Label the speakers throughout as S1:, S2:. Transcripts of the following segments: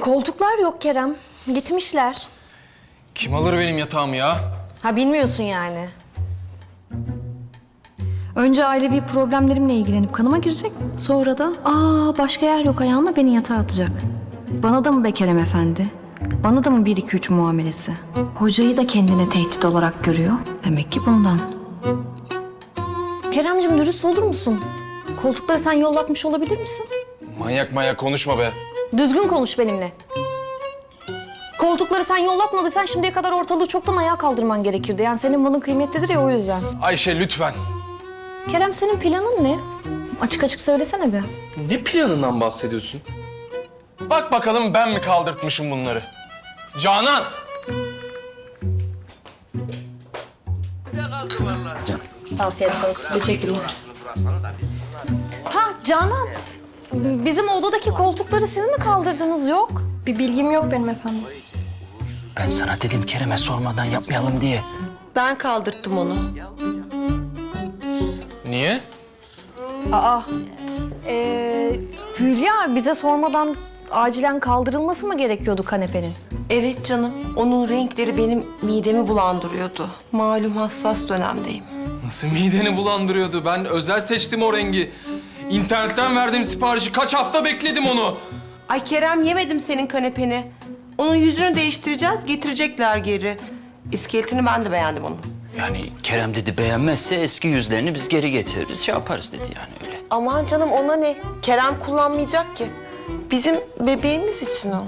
S1: Koltuklar yok Kerem. Gitmişler.
S2: Kim alır benim yatağımı ya?
S1: Ha bilmiyorsun yani.
S3: Önce ailevi problemlerimle ilgilenip kanıma girecek. Sonra da başka yer yok ayağına beni yatağa atacak. Bana da mı be Kerem Efendi? Bana da mı 1-2-3 muamelesi? Hocayı da kendine tehdit olarak görüyor. Demek ki bundan.
S1: Keremcim dürüst olur musun? Koltukları sen yollatmış olabilir misin?
S2: Manyak konuşma be.
S1: Düzgün konuş benimle. Koltukları sen yollatmadıysan şimdiye kadar ortalığı çoktan ayağa kaldırman gerekirdi. Yani senin malın kıymetlidir ya o yüzden.
S2: Ayşe lütfen.
S1: Kerem senin planın ne? Açık açık söylesene be.
S2: Ne planından bahsediyorsun? Bak bakalım ben mi kaldırtmışım bunları? Canan!
S1: Afiyet olsun. Teşekkürler. Ha Canan. Bizim odadaki koltukları siz mi kaldırdınız yok?
S3: Bir bilgim yok benim efendim.
S4: Ben sana dedim Kerem'e sormadan yapmayalım diye.
S5: Ben kaldırttım onu.
S2: Niye?
S1: Hülya bize sormadan acilen kaldırılması mı gerekiyordu kanepenin?
S5: Evet canım, onun renkleri benim midemi bulandırıyordu. Malum hassas dönemdeyim.
S2: Nasıl mideni bulandırıyordu? Ben özel seçtim o rengi. İnternetten verdiğim siparişi kaç hafta bekledim onu.
S5: Ay Kerem, yemedim senin kanepeni. Onun yüzünü değiştireceğiz, getirecekler geri. İskeletini ben de beğendim onun.
S4: Yani Kerem dedi beğenmezse eski yüzlerini biz geri getiririz, şey yaparız dedi yani öyle.
S5: Aman canım, ona ne? Kerem kullanmayacak ki. Bizim bebeğimiz için o.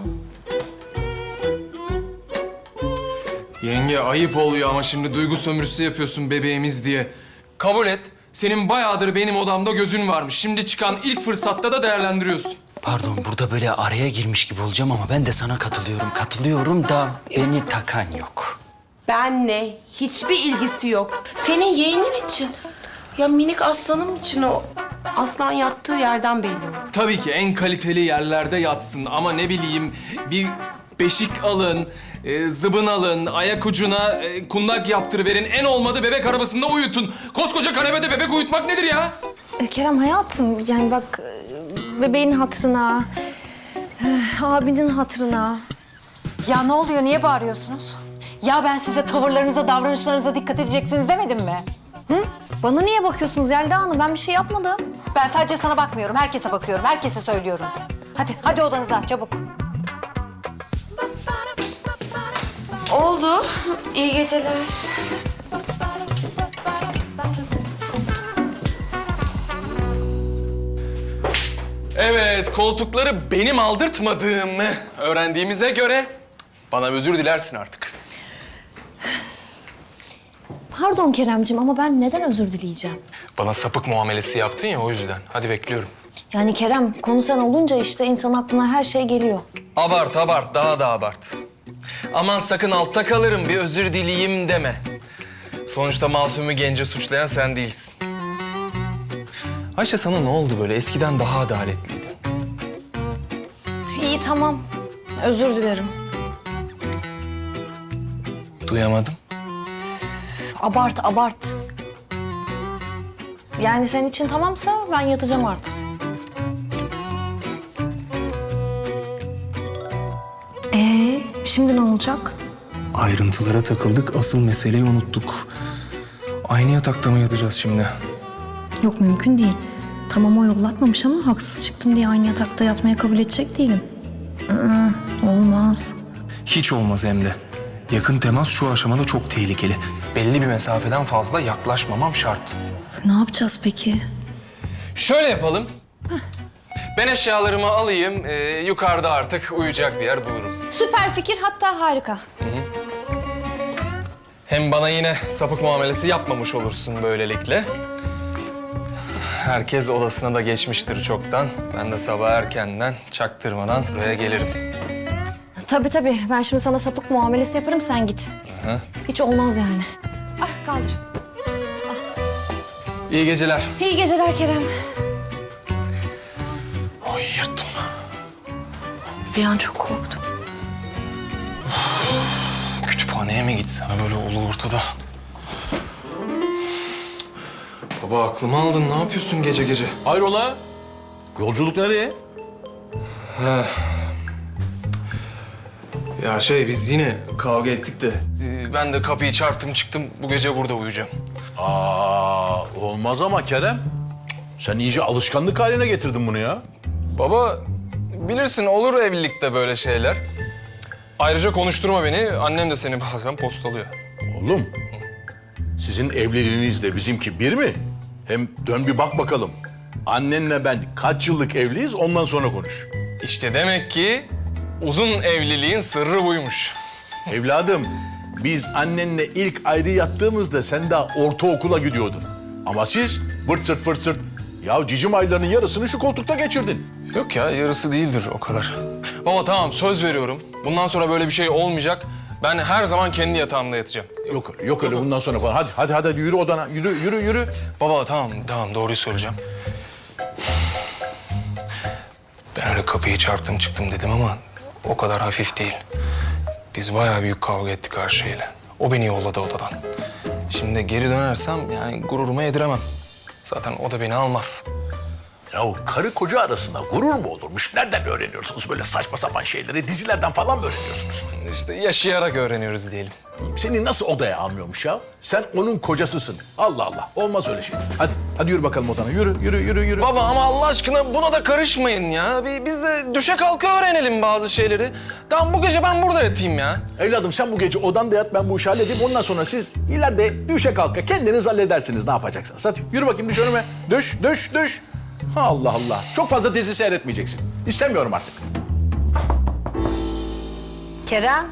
S2: Yenge ayıp oluyor ama şimdi duygu sömürüsü yapıyorsun bebeğimiz diye. Kabul et. Senin bayağıdır benim odamda gözün varmış. Şimdi çıkan ilk fırsatta da değerlendiriyorsun.
S4: Pardon burada böyle araya girmiş gibi olacağım ama ben de sana katılıyorum. Katılıyorum da beni takan yok.
S5: Benle hiçbir ilgisi yok. Senin yeğenin için. Ya minik aslanım için o. Aslan yattığı yerden belli o.
S2: Tabii ki en kaliteli yerlerde yatsın ama ne bileyim bir beşik alın, zıbın alın, ayak ucuna kundak yaptırıverin. En olmadı bebek arabasında uyutun. Koskoca kanepede bebek uyutmak nedir ya?
S1: Kerem hayatım yani bak bebeğin hatırına, abinin hatırına.
S6: Ya ne oluyor? Niye bağırıyorsunuz? Ya ben size tavırlarınıza, davranışlarınıza dikkat edeceksiniz demedim mi?
S1: Bana niye bakıyorsunuz Yelda Hanım? Ben bir şey yapmadım.
S6: Ben sadece sana bakmıyorum, herkese bakıyorum, herkese söylüyorum. Hadi odanıza çabuk.
S5: Oldu. İyi geceler.
S2: Evet, koltukları benim aldırtmadığımı öğrendiğimize göre bana özür dilersin artık.
S1: Pardon Keremcim ama ben neden özür dileyeceğim?
S2: Bana sapık muamelesi yaptın ya o yüzden. Hadi bekliyorum.
S1: Yani Kerem konu sen olunca işte insan aklına her şey geliyor.
S2: Abart, daha da abart. Aman sakın altta kalırım, bir özür dileyeyim deme. Sonuçta masumu gence suçlayan sen değilsin. Ayşe sana ne oldu böyle? Eskiden daha adaletliydi.
S1: İyi tamam. Özür dilerim.
S2: Duyamadım.
S1: Abart. Yani senin için tamamsa ben yatacağım artık.
S3: Şimdi ne olacak?
S7: Ayrıntılara takıldık, asıl meseleyi unuttuk. Aynı yatakta mı yatacağız şimdi?
S3: Yok mümkün değil. Tamam o yollatmamış ama haksız çıktım diye aynı yatakta yatmaya kabul edecek değilim. Olmaz.
S7: Hiç olmaz hem de. Yakın temas şu aşamada çok tehlikeli.
S2: Belli bir mesafeden fazla yaklaşmamam şart.
S3: Ne yapacağız peki?
S2: Şöyle yapalım. Ben eşyalarımı alayım, yukarıda artık uyuyacak bir yer bulurum.
S1: Süper fikir hatta harika.
S2: Hem bana yine sapık muamelesi yapmamış olursun böylelikle. Herkes odasına da geçmiştir çoktan. Ben de sabah erkenden çaktırmadan buraya gelirim.
S1: Tabii. Ben şimdi sana sapık muamelesi yaparım sen git. Hiç olmaz yani. Ah kaldır.
S2: İyi geceler.
S1: İyi geceler Kerem.
S2: Oy yırttım.
S3: Bir an çok korktum.
S2: Kütüphaneye mi gitsem böyle ulu ortada? Baba aklımı aldın. Ne yapıyorsun gece gece?
S8: Hayrola? Yolculuk nereye?
S2: Ya biz yine kavga ettik de ben de kapıyı çarptım çıktım. Bu gece burada uyuyacağım.
S8: Olmaz ama Kerem. Sen iyice alışkanlık haline getirdin bunu ya.
S2: Baba bilirsin olur evlilikte böyle şeyler. Ayrıca konuşturma beni. Annem de seni bazen postalıyor.
S8: Oğlum, sizin evliliğinizle bizimki bir mi? Hem dön bir bak bakalım. Annenle ben kaç yıllık evliyiz, ondan sonra konuş.
S2: İşte demek ki uzun evliliğin sırrı buymuş.
S8: Evladım, biz annenle ilk ayrı yattığımızda sen daha ortaokula gidiyordun. Ama siz vırt sırt vırt sırt. Ya cicim aylarının yarısını şu koltukta geçirdin.
S2: Yok ya yarısı değildir o kadar. Baba tamam söz veriyorum. Bundan sonra böyle bir şey olmayacak. Ben her zaman kendi yatağımda yatacağım.
S8: Yok öyle bundan sonra falan. Hadi yürü odana. Yürü.
S2: Baba tamam doğruyu söyleyeceğim. Ben öyle kapıyı çarptım çıktım dedim ama o kadar hafif değil. Biz bayağı büyük kavga ettik her şeyle. O beni yolladı odadan. Şimdi geri dönersem yani gururuma yediremem. Zaten o da beni almaz.
S8: Ya karı koca arasında gurur mu olurmuş? Nereden öğreniyorsunuz böyle saçma sapan şeyleri? Dizilerden falan mı öğreniyorsunuz?
S2: İşte yaşayarak öğreniyoruz diyelim.
S8: Seni nasıl odaya almıyormuş ya? Sen onun kocasısın. Allah Allah. Olmaz öyle şey. Hadi yürü bakalım odana. Yürü.
S2: Baba ama Allah aşkına buna da karışmayın ya. Biz de düşe kalka öğrenelim bazı şeyleri. Tamam bu gece ben burada yatayım ya.
S8: Evladım sen bu gece odanda yat, ben bu işi halledeyim. Ondan sonra siz ileride düşe kalka kendiniz halledersiniz ne yapacaksınız. Hadi yürü bakayım düş önüme. Düş. Allah Allah. Çok fazla dizi seyretmeyeceksin. İstemiyorum artık.
S3: Kerem.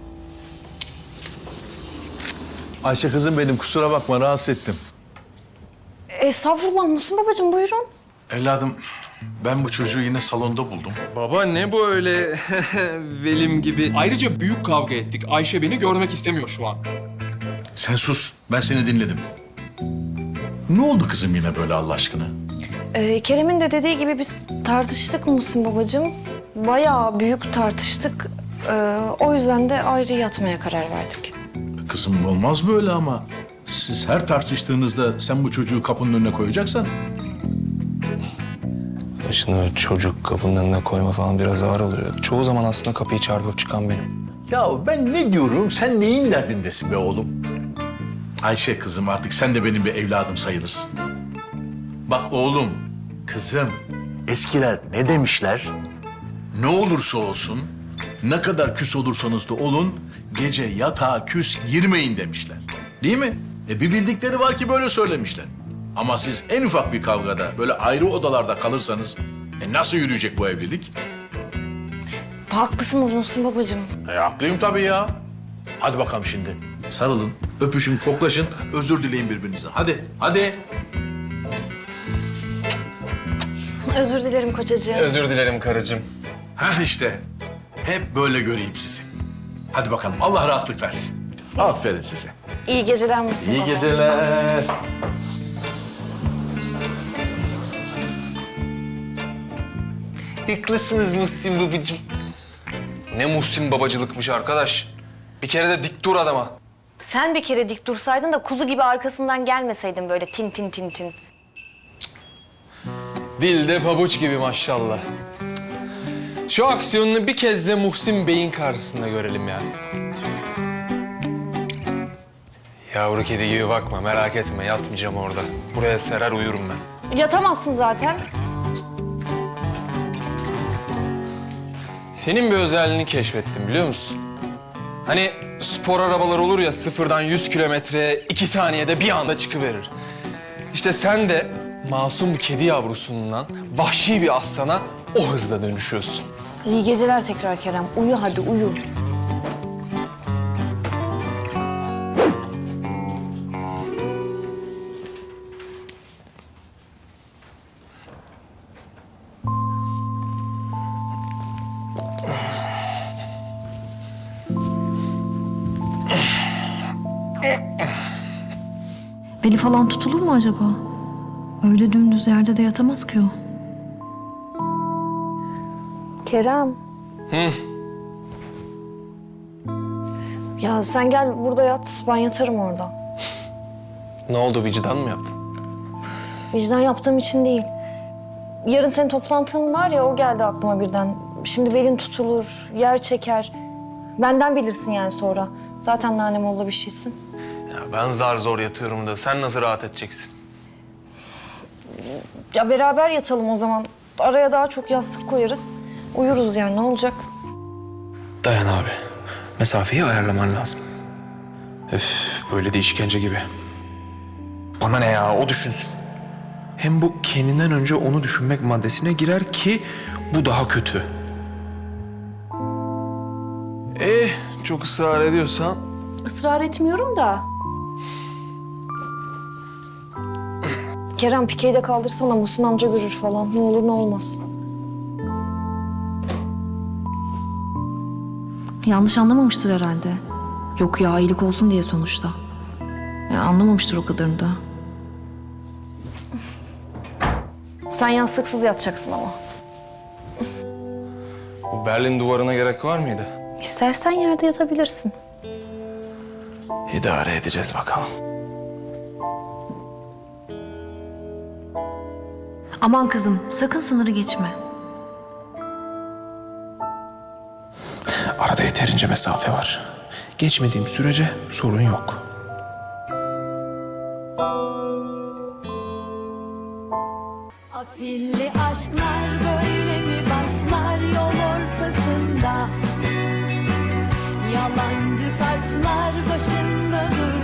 S8: Ayşe kızım benim, kusura bakma rahatsız ettim.
S3: Estağfurullah Muhsin babacığım, buyurun.
S8: Evladım ben bu çocuğu yine salonda buldum.
S2: Baba ne bu öyle velim gibi? Ayrıca büyük kavga ettik. Ayşe beni görmek istemiyor şu an.
S8: Sen sus, ben seni dinledim. Ne oldu kızım yine böyle Allah aşkına?
S3: Kerem'in de dediği gibi biz tartıştık Muhsin babacığım. Bayağı büyük tartıştık. O yüzden de ayrı yatmaya karar verdik.
S8: Kızım olmaz böyle ama. Siz her tartıştığınızda sen bu çocuğu kapının önüne koyacaksan...
S2: Şimdi çocuk kapının önüne koyma falan biraz ağır oluyor. Çoğu zaman aslında kapıyı çarpıp çıkan benim.
S8: Ya ben ne diyorum, sen neyin derdindesin be oğlum? Ayşe kızım artık sen de benim bir evladım sayılırsın. Bak oğlum, kızım, eskiler ne demişler? Ne olursa olsun, ne kadar küs olursanız da olun, gece yatağa küs girmeyin demişler. Değil mi? Bir bildikleri var ki böyle söylemişler. Ama siz en ufak bir kavgada böyle ayrı odalarda kalırsanız nasıl yürüyecek bu evlilik?
S3: Haklısınız Muhsin babacığım.
S8: Haklıyım tabii ya. Hadi bakalım şimdi. Sarılın, öpüşün, koklaşın, özür dileyin birbirinizden. Hadi.
S3: Özür dilerim kocacığım.
S2: Özür dilerim karıcığım.
S8: Ha işte. Hep böyle göreyim sizi. Hadi bakalım. Allah rahatlık versin. Aferin size.
S3: İyi geceler Muhsin baba.
S8: İyi geceler.
S2: Haklısınız Muhsin babacığım. Ne Muhsin babacılıkmış arkadaş. Bir kere de dik dur adama.
S3: Sen bir kere dik dursaydın da kuzu gibi arkasından gelmeseydin böyle tin tin tin tin.
S2: Dilde pabuç gibi maşallah. Şu aksiyonunu bir kez de Muhsin Bey'in karşısında görelim ya. Yavru kedi gibi bakma, merak etme. Yatmayacağım orada. Buraya serer uyurum ben.
S3: Yatamazsın zaten.
S2: Senin bir özelliğini keşfettim biliyor musun? Hani spor arabalar olur ya sıfırdan 100 kilometreye 2 saniyede bir anda çıkıverir. İşte sen de masum kedi yavrusundan vahşi bir aslana o hızla dönüşüyorsun.
S3: İyi geceler tekrar Kerem. Uyu hadi uyu. Beli falan tutulur mu acaba? Öyle dümdüz yerde de yatamaz ki o. Kerem. Ya sen gel burada yat, ben yatarım orada.
S2: Ne oldu vicdan mı yaptın?
S3: Vicdan yaptığım için değil. Yarın senin toplantın var ya, o geldi aklıma birden. Şimdi belin tutulur, yer çeker.
S1: Benden bilirsin yani sonra. Zaten nanemolla bir şeysin.
S7: Ya ben zar zor yatıyorum da sen nasıl rahat edeceksin?
S1: Ya beraber yatalım o zaman. Araya daha çok yastık koyarız. Uyuruz yani, ne olacak?
S7: Dayan abi. Mesafeyi ayarlaman lazım. Öf, böyle de işkence gibi. Bana ne ya, o düşünsün. Hem bu kendinden önce onu düşünmek maddesine girer ki bu daha kötü. Çok ısrar ediyorsan.
S1: Israr etmiyorum da. Kerem, pikeyi de kaldırsana, Muhsin amca görür falan. Ne olur ne olmaz.
S3: Yanlış anlamamıştır herhalde. Yok ya, iyilik olsun diye sonuçta. Ya anlamamıştır o kadarını da.
S1: Sen yastıksız yatacaksın ama.
S7: Bu Berlin duvarına gerek var mıydı?
S1: İstersen yerde yatabilirsin.
S7: İdare edeceğiz bakalım.
S3: Aman kızım, sakın sınırı geçme.
S7: Arada yeterince mesafe var. Geçmediğim sürece sorun yok.
S9: Afilli aşklar böyle mi başlar yol ortasında? Yalancı taçlar başında durur.